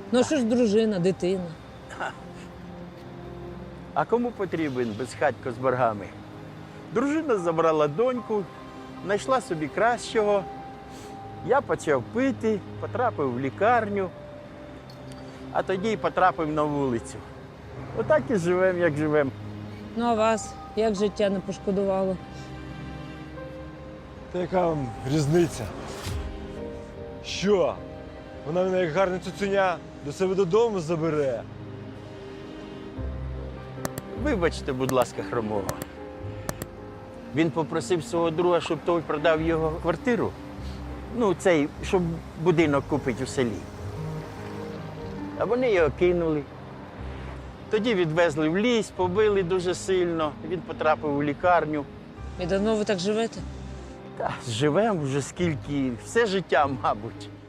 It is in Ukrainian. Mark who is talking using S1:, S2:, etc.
S1: Ну, а що ж дружина, дитина?
S2: А кому потрібен безхатько з боргами? Дружина забрала доньку, знайшла собі кращого. Я почав пити, потрапив в лікарню, а тоді й потрапив на вулицю. Отак і живемо, як живемо.
S1: Ну, а вас як життя не пошкодувало?
S3: Та яка вам різниця? Що? Вона мене як гарне цуценя до себе додому забере.
S2: Вибачте, будь ласка, хромого. Він попросив свого друга, щоб той продав його квартиру. Ну, цей, щоб будинок купити у селі. А вони його кинули. Тоді відвезли в ліс, побили дуже сильно. Він потрапив у лікарню.
S1: І давно ви так живете?
S2: Та живемо вже скільки, все життя, мабуть.